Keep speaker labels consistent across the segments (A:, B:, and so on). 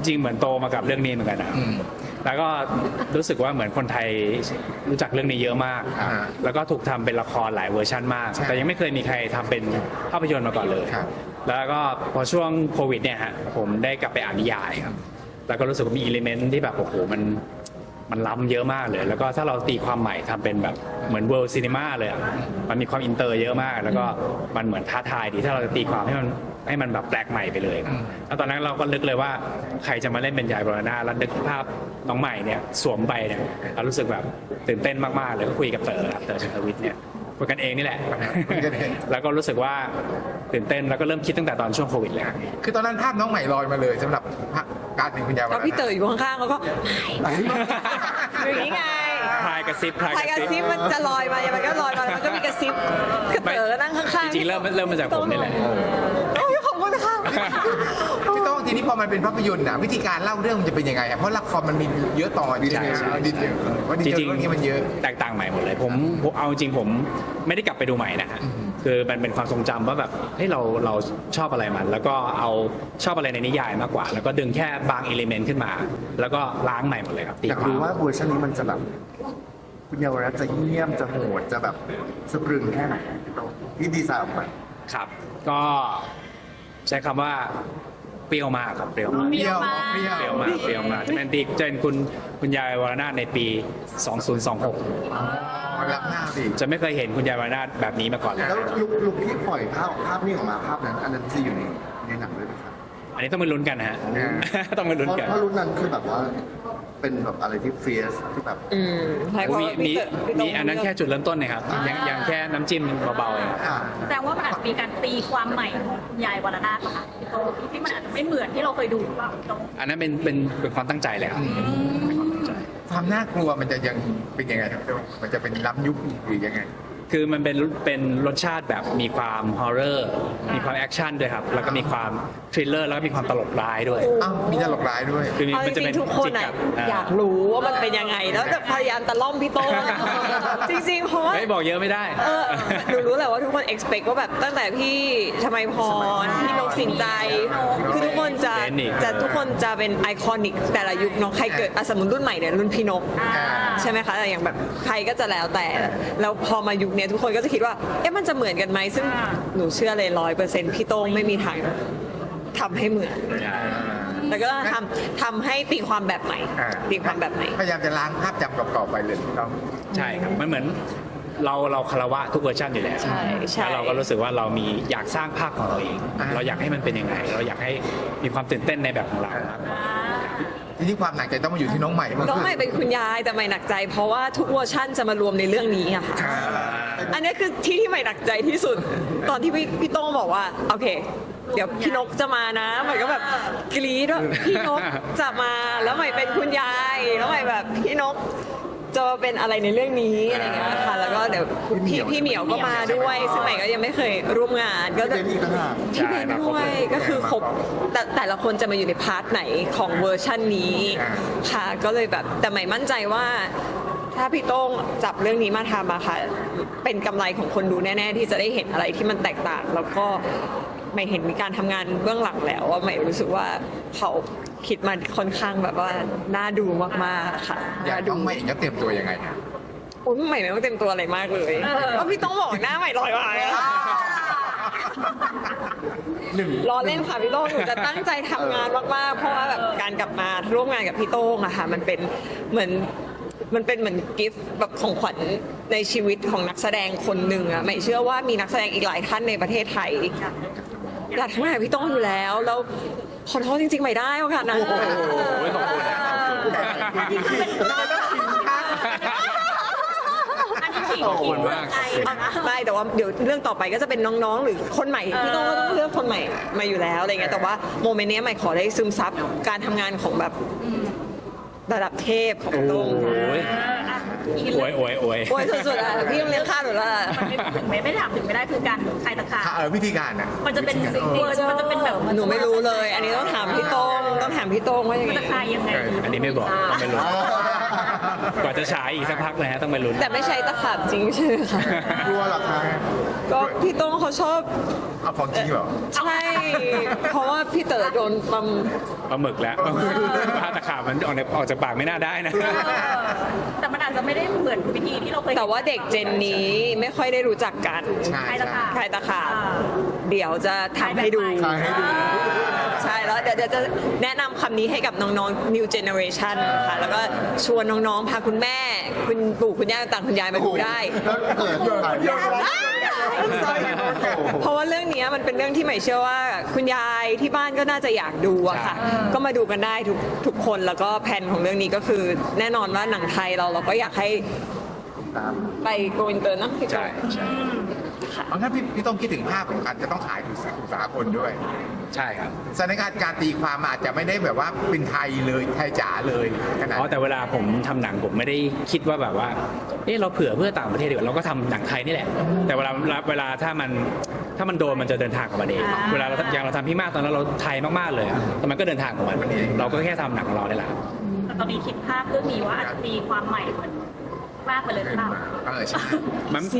A: ริงๆเหมือนโตมากับเรื่องนี้เหมือนกันนะแล้วก็รู้สึกว่าเหมือนคนไทยรู้จักเรื่องนี้เยอะมาก แล้วก็ถูกทำเป็นละครหลายเวอร์ชันมาก แต่ยังไม่เคยมีใครทำเป็นภาพยนตร์มาก่อนเลย แล้วก็พอช่วงโควิดเนี่ยฮะผมได้กลับไปอ่านนิยายครับแล้วก็รู้สึกว่ามีอิเลเมนต์ที่แบบโอ้โหมันล้ำเยอะมากเลย แล้วก็ถ้าเราตีความใหม่ทำเป็นแบบเหมือนเวิลด์ซีนีมาเลยมันมีความอินเตอร์เยอะมาก แล้วก็มันเหมือนท้าทายดีถ้าเราจะตีความให้มันแบบแปลกใหม่ไปเลยแล้วตอนนั้นเราก็นึกเลยว่าใครจะมาเล่นเป็นยายบรณาแล้วนึกภาพน้องใหม่เนี่ยสวมไปเนี่ยเรารู้สึกแบบตื่นเต้นมากๆเลยก็คุยกับเต๋อครับเต๋อชันทวิทย์เนี่ยคุยกันเองนี่แหละ แล้วก็รู้สึกว่าตื่นเต้นแล้วก็เริ่มคิดตั้งแต่ตอนช่วงโควิดเลย
B: คือตอนนั้นภาพน้องใหม่ลอยมาเลยสำหรับการเป็นคุณยาย
C: แล้วพี่เต๋ออยู่ข้างๆเขาก็อย่างนี้ไง
A: พายกระซิบ
C: พายกระซิบมันจะลอยมามันก็ลอยมามันก็มีกระซิบคือเต๋อก็นั่งข้างๆ
A: จริงๆเริ่มมาจากผมนี่แหละ
C: โอ้ยขอบคุณค่ะ
B: พี่โต้งทีนี้พอมันเป็นภาพยนตร์วิธีการเล่าเรื่องมันจะเป็นยังไงเพราะละครมันมีเยอะต่อดีเทลดีเทลว่าดีเทลเรื่องนี้มันเยอะ
A: แตกต่างใหม่หมดเลยผมเอาจริงผมไม่ได้กลับไปดูใหม่นะฮะคือมันเป็นความทรงจำว่าแบบเฮ้ยเราชอบอะไรมันแล้วก็เอาชอบอะไรในนิยายมากกว่า แล้วก็ดึงแค่บางอิเลเมนต์ขึ้นมาแล้วก็ล้างใหม่หมดเลยครับ
D: อยากรู้ว่าเวอร์ชันนี้มันจะแบบคุณเยาวรัตน์จะเยี่ยมจะโหดจะแบบสะพรึงแค่ไหนที่ดีไซน์ออกมา
A: ครับก็ใช้คำว่าเปรี้ยวมากครับเปรี้ยวมากจะเป็นคุณยายวรนาถในปี 2026
B: รับหน้าสิ
A: จะไม่เคยเห็นคุณยายวรนาถแบบนี้มาก่อนเลย
D: แล้วลุกที่ปล่อยภาพนี้ออกมาภาพนั้นอันนั้นจะอยู่ในหนังด้วยไหมครับ
A: อันนี้ต้องไปลุ้นกันนะฮะต้องไปลุ้นกัน
D: เพราะรุ่นนั้นคือแบบว่าเป็นแบบอะไรที่เฟียสที่แบบ
A: มีอันนั้นแค่จุดเริ่มต้นนะครับยังแค่น้ำจิ้มเบาๆเอง
E: แต่ว่ามันอาจจะมีการตีความใหม่ของยายวรนาถค่ะที่มันอาจจะไม่เหมือนที่เราเคยดูหรือเปล่า
A: อันนั้นเป็นความตั้งใจเลยครับ
B: ความน่ากลัวมันจะยังเป็นยังไงครับมันจะเป็นล้ำยุคหรือยังไง
A: คือมันเป็นรสชาติแบบมีความฮอร์เรอร์มีความแอคชั่นด้วยครับแล้วก็มีความทริลเลอร์แล้วก็มีความตลกร้ายด้วย
B: มีตลกร้ายด้วย
A: คือ
C: มันจะเป็นทุกคนอยากรู้ว่ามันเป็นยังไงแล้วแบบพยายามตะล่อมพี่โต้จริงๆเพราะว่า
A: ไม่บอกเยอะไม่ได้
C: หนูรู้แหละว่าทุกคน expect ว่าแบบตั้งแต่พี่ชมัยพรพี่นกสินใจคือทุกคนทุกคนจะเป็นไอคอนิกแต่ละยุคเนาะใครเกิดสมมุติรุ่นใหม่เนี่ยรุ่นพี่นกใช่ไหมคะแต่อย่างแบบใครก็จะแล้วแต่แล้วพอมายุคนี้ทุกคนก็จะคิดว่าเอ๊ะมันจะเหมือนกันไหมซึ่งหนูเชื่อเลย100%พี่โต้งไม่มีทางทำให้เหมือนแล้วก็ทำให้ตีความแบบใหม่ตีความแบบใหม่
B: พยายามจะล้างภาพจำเก่าๆไปเลยต้อง
A: ใช่ครับมันเหมือนเราคารวะทุกเวอร์ชันอยู่แล้วแล้วเราก็รู้สึกว่าเรามีอยากสร้างภาพของเราเองเราอยากให้มันเป็นยังไงเราอยากให้มีความตื่นเต้นในแบบของเรา
B: ทีนี้ความหนักใจต้องมาอยู่ที่น้องใหม่
C: น้องใหม่เป็นคุณยายแต่ใหม่หนักใจเพราะว่าทุกเวอร์ชันจะมารวมในเรื่องนี้อะค่ะอันนี้คือที่ใหม่หนักใจที่สุดตอนที่พี่โต้งบอกว่าโอเคเดี๋ยวพี่นกจะมานะใหม่ก็แบบกรี๊ดว่าพี่นกจะมาแล้วใหม่เป็นคุณยายแล้วใหม่แบบพี่นกจะเป็นอะไรในเรื่องนี้อะไรเงี้ยค่ะแล้วก็เดี๋ยวพี่เหมียวก็มาด้วยซึ่งใหม่ก็ยังไม่เคยร่วมงานก็จะพี่เบนด้วยก็คือครบแต่ละคนจะมาอยู่ในพาร์ทไหนของเวอร์ชันนี้ค่ะก็เลยแบบแต่ใหม่มั่นใจว่าถ้าพี่โต้งจับเรื่องนี้มาทำอะค่ะเป็นกำไรของคนดูแน่ๆที่จะได้เห็นอะไรที่มันแตกต่างแล้วก็ไม่เห็นมีการทำงานเบื้องหลังแล้วว่าไม่รู้สึกว่าเขาคิดมาค่อนข้างแบบว่าน่าดูมากๆค่ะ
B: อยากดูใหม่จะเตรียมตัวยังไงครับ
C: โอ้ยใหม่ไม่ต้องเตรียมตัวอะไรมากเลยเพราะพี่ต้องบอกหน้าใหม่ลอยมาล้อเล่นค่ะพี่โต้งหนูจะตั้งใจทำงานมากๆเพราะว่าแบบการกลับมาร่วมงานกับพี่โต้งอะค่ะมันเป็นเหมือนกิฟต์แบบของขวัญในชีวิตของนักแสดงคนหนึ่งอะไม่เชื่อว่ามีนักแสดงอีกหลายท่านในประเทศไทยอยากทำงานกับพี่โต้งอยู่แล้วขอโทษจริงๆไม่ได้ค่ะนะ
A: ขอบคุณมาก
C: ไม่แต่ว่าเดี๋ยวเรื่องต่อไปก็จะเป็นน้องๆหรือคนใหม่พี่โต้งก็ต้องเลือกคนใหม่มาอยู่แล้วอะไรเงี้ยแต่ว่าโมเมนต์นี้ใหม่ขอได้ซึมซับการทำงานของแบบระดับเทพของพี่โต้ง
A: โวย
C: สุดๆอ่ะพี่ต้องเลี้ยงข้าวหนูละ
E: ไม่ถามถึงไม่ได้คือการใครตะขา
B: วิธีการอ่ะ
E: มันจะเป็นมันจะเป็นแบบ
C: หนูไม่รู้เลยอันนี้ต้องถามพี่โต้งว่ายังไง
E: ตะขายังไง
A: อันนี้ไม่บอกไม่รู้กว่าจะฉายอีกสักพักเลยฮะต้องไปลุ้น
C: แต่ไม่ใช่ตะขาบจริงใช่ไหมคะ
D: กลัวเหรอคะ
C: ก็พี่โต้งเขาชอบ
B: เอาของจริงเหรอ
C: ใช่ เพราะว่าพี่เต๋อโดนปั๊ม
A: ปลาหมึกแล้วปลาตะขาบมันออกจากปากไม่น่าได้นะ
E: แต่มันอาจจะไม่ได้เหมือนวิธีที่เราเคย
C: แต่ว่าเด็กเจนนี้ไม่ค่อยได้รู้จักกัน
B: ใช่
E: ใครละค่ะ
C: ใครตะขาบเดี๋ยวจะทำให้ดู
D: ถ่ายให้ดู
C: ใช่แล้วเดี๋ยวจะแนะนำคำนี้ให้กับน้องๆ new generation ค่ะ แล้วก็ชวนน้องๆ พาคุณแม่ คุณปู่คุณย่าต่างคุณยายมาดูได้
D: แล้วเกิดถ่ายยาก
C: เพราะว่าเรื่องนี้มันเป็นเรื่องที่ใหม่เชื่อว่า คุณยายที่บ้านก็น่าจะอยากดูอะค่ะ ก็มาดูกันได้ทุกคนแล้วก็แผนของเรื่องนี้ก็คือ แน่นอนว่าหนังไทยเราก็อยากให้ไปโกอินเตอร์นะพี่โจ
A: ใช่ใช่
B: เอาถ้าพี่ต้องคิดถึงภาพของการจะต้องถ่ายถึงสากลด้วย
A: ใช่ครับ
B: สถานการณ์ตีความอาจจะไม่ได้แบบว่าเป็นไทยเลยไทยจ๋าเลยขนาด
A: อ๋อแต่เวลาผมทำหนังผมไม่ได้คิดว่าแบบว่าเราเผื่อเพื่อต่างประเทศดีกว่าเราก็ทำหนังไทยนี่แหละ แต่เวลาถ้ามันโดนมันจะเดินทางของมันเองเวลาอย่างเราทำพี่มากตอนนั้นเราไทยมากๆเลยอะแต่มันก็เดินทางของมันเราก็แค่ทำหนังของเราได้แหละ
E: แต่ตอนนี้คิดภาพเรื่องนี้ว่าอาจจะตีความใหม่เหมือนมากไปเลยหรือเปล่า
B: ใช่
A: มัน
C: สิ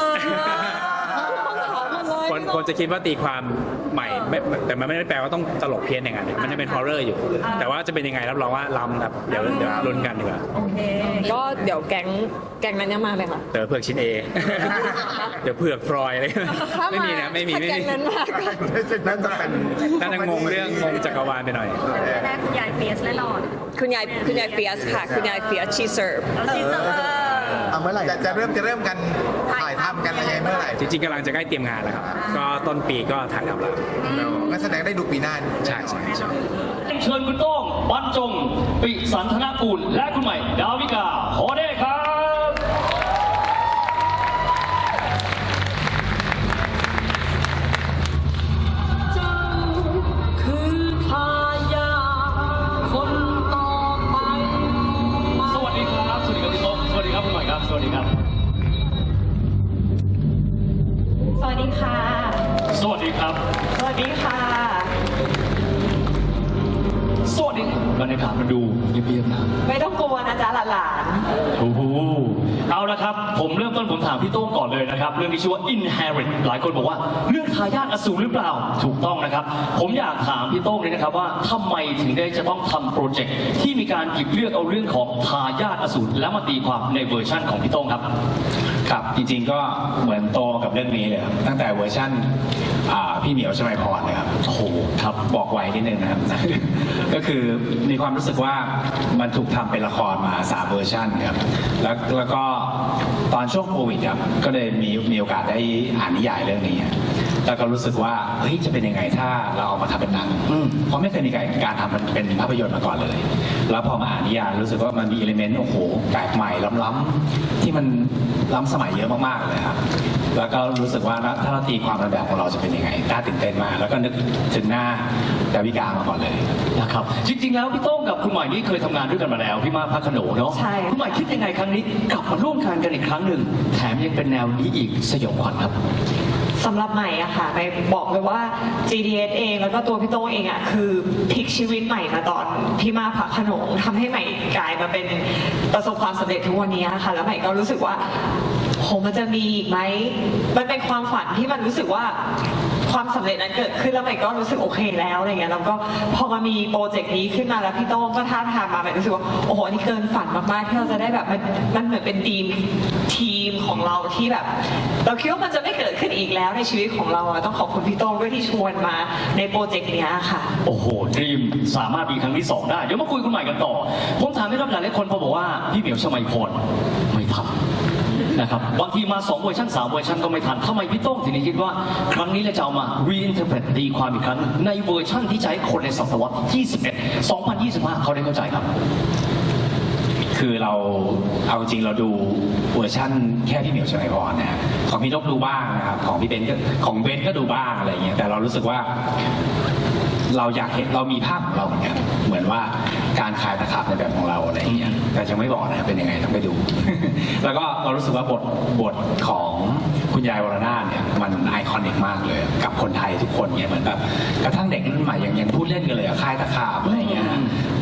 A: คนจะคิดว่าตีความใหม่แต่มันไม่ได้แปลว่าต้องตลกเพี้ยนอย่างนั้นมันจะเป็นฮอร์เรอร์อยู่ แต่ว่าจะเป็นยังไงรับรองว่าล้ำครับเดี๋ยวลุ้นกันดีกว่า
E: โอเค
C: ก็เดี๋ยวแก๊งนั้นยังมาไหมคะ
A: เต๋อเผือกชิ้นเอ เดี๋ยวเผือกฟรอยอะไรไม่มีนะไม่มี
C: ถ้าแก๊งนั้นมาก็
B: นั่นจะเป็น
A: น่าจะงงเรื่องงงจักรวาลไปหน่อย
E: แรกคุณยายเฟียสแน่นอน
C: คุณยายเฟียสค่ะ คุณยายเฟียสชีเซิร์ฟ
E: แล้วที่จะ
D: เอาเมื่อไหร่
B: จะเริ่มกันถ่ายทำกันอะไรเมื่อไหร่
A: จริงๆกำลังจะใกล้เตรียมงานแล้วครับ ก็ต้นปีก็ถ่ายทำแล้ว
B: งั้นแสดงได้ดูปีหน้า
A: ใช่ใช่ใช่
F: เชิญคุณโต้งบรรจง ปิสันธนกูล และคุณใหม่ ดาวิกาขอได้ครับ สวัสดีครับ สวัสดีครับพี่โต้งสวัสดีครับคุณใหม่ครับ สวัสดีครับ
C: สวัสดีค่ะ
F: สวัสดีครับ
C: สวัสดีค่ะ
F: สวัสดีบรรยากาศมันดูเงียบๆนะ
C: ไม่ต้องกลัวนะจ๊ะหลาน
F: โอ้โหเอาละครับ ผมเริ่มต้นผมถามพี่โต้งก่อนเลยนะครับ เรื่องที่ชื่อว่า Inherit หลายคนบอกว่าเรื่องทายาทอสูรหรือเปล่า ถูกต้องนะครับ ผมอยากถามพี่โต้งเลยนะครับว่าทำไมถึงได้จะต้องทำโปรเจกต์ที่มีการหยิบเลือกเอาเรื่องของทายาทอสูรแล้วมาตีความในเวอร์ชั่นของพี่โต้งครับ
G: ครับจริงๆก็เหมือนโตกับเรื่องนี้เลยครับตั้งแต่เวอร์ชั่นพี่เหมียวชมัยพรเลยครับโอ้โหครับบอกไว้นิดนึงนะครับ ก็คือมีความรู้สึกว่ามันถูกทำเป็นละครมา3เวอร์ชันครับแล้วก็ตอนช่วงโควิดครับก็เลยมีโอกาสได้อ่านนิยายเรื่องนี้ครับแล้วก็รู้สึกว่าเฮ้ยจะเป็นยังไงถ้าเราเอามาทำเป็นหนังเพราะไม่เคยมีการทำมันเป็นภาพยนตร์มาก่อนเลย แล้วพอมาอ่านนิยายรู้สึกว่ามันมีอิเลเมนต์โอ้โหแปลกใหม่ล้ำๆที่มันล้ำสมัยเยอะมากๆเลยครับแล้วก็รู้สึกว่าถ้าเราตีความในแบบของเราจะเป็นยังไงน่าตื่นเต้นมากแล้วก็นึกถึงหน้าดาวิกามาก่อนเลย
F: นะครับจริงๆแล้วพี่โต้งกับคุณใหม่นี่เคยทำงานด้วยกันมาแล้วพี่มาพักขนงเนาะ
C: ใช่
F: คุณใหม่คิดยังไงครั้งนี้กลับมาร่วมงานกันอีกครั้งหนึ่งแถมยังเป็นแนวนี้อีกสยองขวัญครับ
C: ๆสำหรับใหม่อะค่ะใหม่บอกเลยว่า GDS เองแล้วก็ตัวพี่โต้งเองอะคือพลิกชีวิตใหม่มาตอนพี่มาพักขนงทำให้ใหม่กลายมาเป็นประสบความสำเร็จทุกวันนี้ค่ะแล้วใหม่ก็รู้สึกว่าโหมันจะมีอีกไหมมันเป็นความฝันที่มันรู้สึกว่าความสำเร็จนั้นเกิดขึ้นแล้วใหม่ก็รู้สึกโอเคแล้วอะไรเงี้ยแล้วก็พอมามีโปรเจกต์นี้ขึ้นมาแล้วพี่โต้งก็ท้าทายมาใหม่รู้สึกว่าโอ้โหอันนี่เกินฝันมากๆที่เราจะได้แบบมันเหมือนเป็นทีมของเราที่แบบ เราคิดว่ามันจะไม่เกิดขึ้นอีกแล้วในชีวิตของเราอะต้องขอบคุณพี่โต้งด้วยที่ชวนมาในโปรเจกต์เนี้ยค่ะ
F: โอ้โหดรีมสามารถมีครั้งที่ 2 ได้ เดี๋ยวมาคุยคุณใหม่กันต่อ ผมถามให้รับหลายคนพอบอกว่าพี่เหมียวชมัยพรไม่ทันนะครับบางทีมา2เวอร์ชัน3เวอร์ชันก็ไม่ทันทำไมพี่โต้งถึงได้คิดว่าครั้งนี้เราจะเอามา reinterpret ตีความอีกครั้งในเวอร์ชันที่จะให้คนในศตวรรษที่21 2025 เขาได้เข้าใจครับ
G: คือเราเอาจริงเราดูเวอร์ชั่นแค่พี่เหมียวชมัยพรนะฮะของพี่นกดูบ้างนะครับของพี่เบนก็ของเบนก็ดูบ้างอะไรอย่างเงี้ยแต่เรารู้สึกว่าเราอยากเห็นเรามีภาพของเราเหมือนกันเหมือนว่าการคลายตะขาบในแบบของเราอะไรอย่างเงี้ยแต่ยังไม่บอกนะเป็นยังไงต้องไปดู แล้วก็เรารู้สึกว่าบทของคุณยายวรนาถเนี่ยมันไอคอนิกมากเลยกับคนไทยทุกคนเนี่ยเหมือนแบบกระทั่งเด็กรุ่นใหม่ยังพูดเล่นกันเลยอะคลายตะขาบอะไรอย่างเงี้ย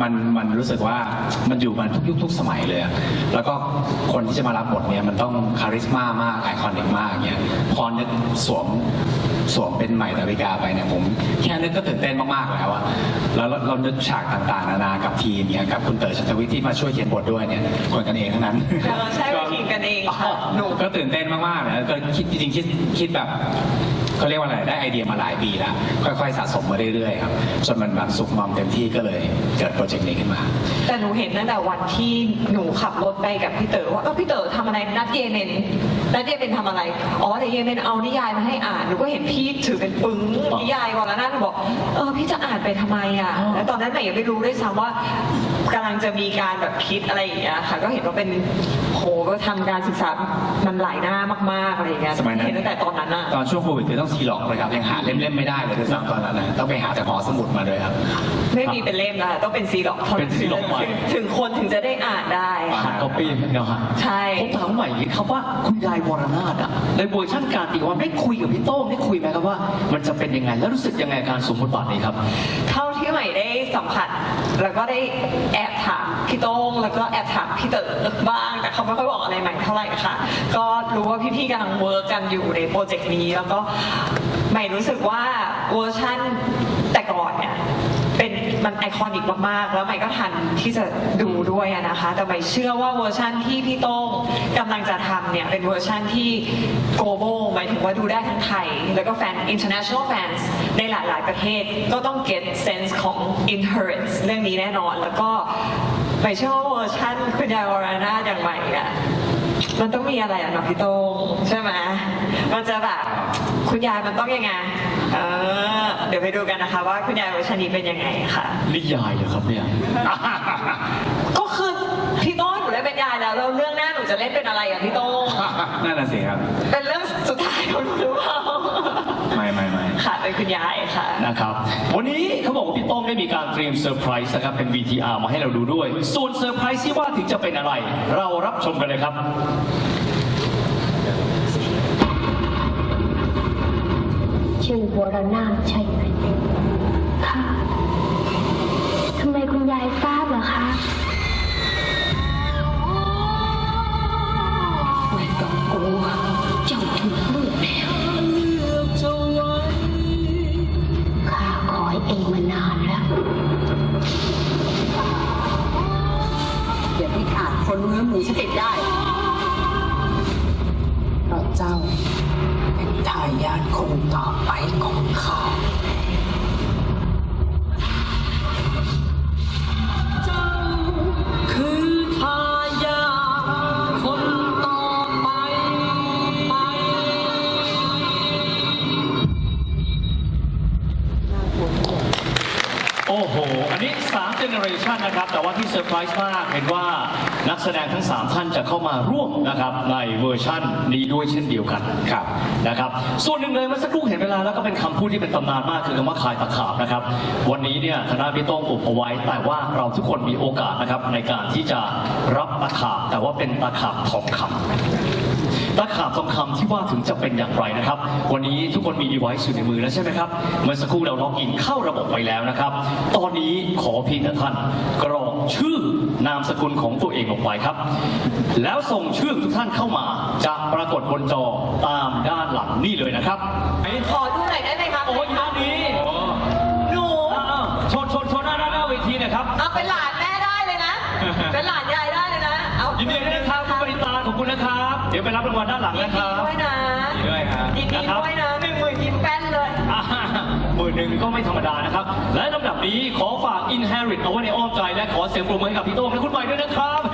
G: มันรู้สึกว่ามันอยู่มาทุกยุคทุกสมัยเลยอะแล้วก็คนที่จะมารับบทเนี้ยมันต้องคาริสม่ามากไอคอนิกมากเงี้ยพอนึกสวมเป็นใหม่ดาวิกาไปเนี่ยผมแค่นึกก็ตื่นเต้นมากๆแล้วอะแล้วเรานึกฉากต่างๆนานากับทีมเนี่ยกับคุณเต๋อชัตวิทย์ที่มาช่วยเขียนบทด้วยเนี่ยคนกันเองทั้งนั้น
C: ใช่เป็นทีมกันเองค่ะ
G: หนูก็ตื่นเต้นมากๆเลยก็คิดจริงๆคิดแบบเขาเรียกว่าอะไรได้ไอเดียมาหลายปีแล้วค่อยๆสะสมมาเรื่อยๆครับจนมันแบบสุกงอมเต็มที่ก็เลยเกิดโปรเจกต์นี้ขึ้นมา
C: แต่หนูเห็นตั้งแต่วันที่หนูขับรถไปกับพี่เต๋อว่าพี่เต๋อทำอะไรนัดเยเมนทำอะไรอ๋อแต่เยเมนเอานิยายมาให้อ่านหนูก็เห็นพี่ถือเป็นปึ้งนิยายก่อนแล้วนะหนูบอกพี่จะอ่านไปทำไมอ่ะแล้วตอนนั้นใหม่ยังไม่รู้ด้วยซ้ำว่ากำลังจะมีการแบบคิดอะไรอย่างเงี้ยค่ะก็เห็นว่าเป็นโหก็ทำการศึกษามันหลายหน้ามากๆอะไรอย่างเงี้ย
G: สมัยนั้น
C: เห็นตั้งแต่ตอนนั้นอ่ะ
G: ตอนช่วงโควิดคือต้องซีล็อกเลยครับยังหาเล่มๆไม่ได้เลยด้วยซ้ำตอนนั้นนะต้องไปหาจากหอสมุดมาด้วยครับ
C: ไม่มีเป็นเล่มนะคะต้องเป็นซีล็อก
F: เป็นซีล็อกไว้
C: ถึงคนถึงจะได้อ่านได้
F: หา
C: ค่ะ
F: ก๊อปปี้เนาะฮะ
C: ใช่
F: ผมถามใหม่อย่างนี้ครับว่าคุณยายวรนาถอะในเวอร์ชันการตีความได้คุยกับพี่โต้งได้คุยไหมครับว่ามันจะเป็นยังไงแล้วรู้สึกยังไงกับการสวมบทบาทนี้ครับ
C: เท่าที่ใหม่ได้สัมผัสแล้วก็ได้แอบถามพี่โต้งแล้วก็แอบถามพี่เต๋อบ้างแต่เขาไม่ค่อยบอกอะไรใหม่เท่าไหร่ค่ะก็รู้ว่าพี่ๆกำลังเวิร์กกันอยู่ในโปรเจกต์นี้แล้วก็ใหม่รู้สึกว่าเวอร์ชั่นแต่ก่อนเนี่ยมันไอคอนิกมากๆแล้วใหม่ก็ทันที่จะดูด้วยอะนะคะแต่ใหม่เชื่อว่าเวอร์ชั่นที่พี่โต้งกำลังจะทำเนี่ยเป็นเวอร์ชั่นที่ global หมายถึงว่าดูได้ทั้งไทยแล้วก็แฟน international fans ในหลายๆประเทศก็ต้อง get sense ของ inherence เรื่องนี้แน่นอนแล้วก็ใหม่เชื่อว่าเวอร์ชั่นคุณยายวรนาถอย่างใหม่อะมันต้องมีอะไรอะเนาะพี่โต้งใช่ไหมมันจะแบบคุณยายมันต้องยังไงเดี๋ยวไปดูกันนะคะว่าคุณยายเวอร์ชันนี้เป็นยังไงค่ะ
F: นิยายเหรอครับเนี่ย
C: ก็คือพี่โต้งหนูได้เป็นยายแล้วแล้วเรื่องหน้าหนูจะเล่นเป็นอะไรอ่ะพี่โต้ง
G: นั่นน่ะสิครับ
C: เป็นเรื่องสุดท้ายของหนูหรือเปล่า
G: ไม่
C: ค่ะเป็นคุณยายค่ะ
F: นะครับวันนี้เขาบอกว่าพี่โต้งได้มีการเตรียมเซอร์ไพรส์นะครับเป็น VTR มาให้เราดูด้วย ส่วนเซอร์ไพรส์ที่ว่าถึงจะเป็นอะไร เรารับชมกันเลยครับ
H: ชื่อวรนาถใช่ไหมค่ะทำไมคุณยายทราบเหรอคะไม่ต้องกลัวเจ้าถูกเลือกแล้วข้าคอยเองมานานแล้ว
I: อย่าที่อาจคนเนื้อหมูฉันติดได้เพราะเจ้าเป็นทายาทคนต่อไปของข้า
F: โอ้โห อันนี้3 generation นะครับ แต่ว่าที่เซอร์ไพรส์มาก เห็นว่านักแสดงทั้ง 3 ท่านจะเข้ามาร่วมนะครับในเวอร์ชั่นนี้ด้วยเช่นเดียวกันครับนะครับ ส่วนหนึ่งเลยเมื่อสักครู่เห็นเวลาแล้วก็เป็นคำพูดที่เป็นตำนานมากคือคำว่าคายตะขาบนะครับ วันนี้เนี่ยธนาพี่โต้งอุบเอาไว้ แต่ว่าเราทุกคนมีโอกาสนะครับในการที่จะรับตะขาบแต่ว่าเป็นตะขาบทองคำตะขาบทองคำที่ว่าถึงจะเป็นอย่างไรนะครับ วันนี้ทุกคนมี device อยู่ในมือแล้วใช่ไหมครับ เมื่อสักครู่เราล็อกอินเข้าระบบไปแล้วนะครับ ตอนนี้ขอเพียงแต่ท่านกรอกชื่อนามสกุลของตัวเองลงไปครับ แล้วส่งชื่อทุกท่านเข้ามาจะปรากฏบนจอตามด้านหลังนี่เลยนะครับ
C: ขอดูหน่อยได้ไหมครับ
F: โอ้ยด้านนี้
C: หนู
F: ชนหน้าเวทีนะครับ
C: เอาเป็นหลานแม่ได้เลยนะ เป็นหลานยายได้เลยนะเอา
F: ยินดีด้วยนะครับคุณปริตาขอบคุณนะครับ เดี๋ยวไปรับรางวัลด้านหลัง
C: ยิน
F: นะค
C: ดี
F: รับ
C: ด้วยนะ
F: ยินดีด้วยครับ
C: ยินดีด้วยนะ10,000ยิ้มแป้นเลย
F: 10,000ก็ไม่ธรรมดานะครับ และลำดับนี้ขอฝาก Inherit เอาไว้ในอ้อมใจและขอเสียงปรบมือให้กับพี่โต้งและคุณใหม่ด้วยนะครับ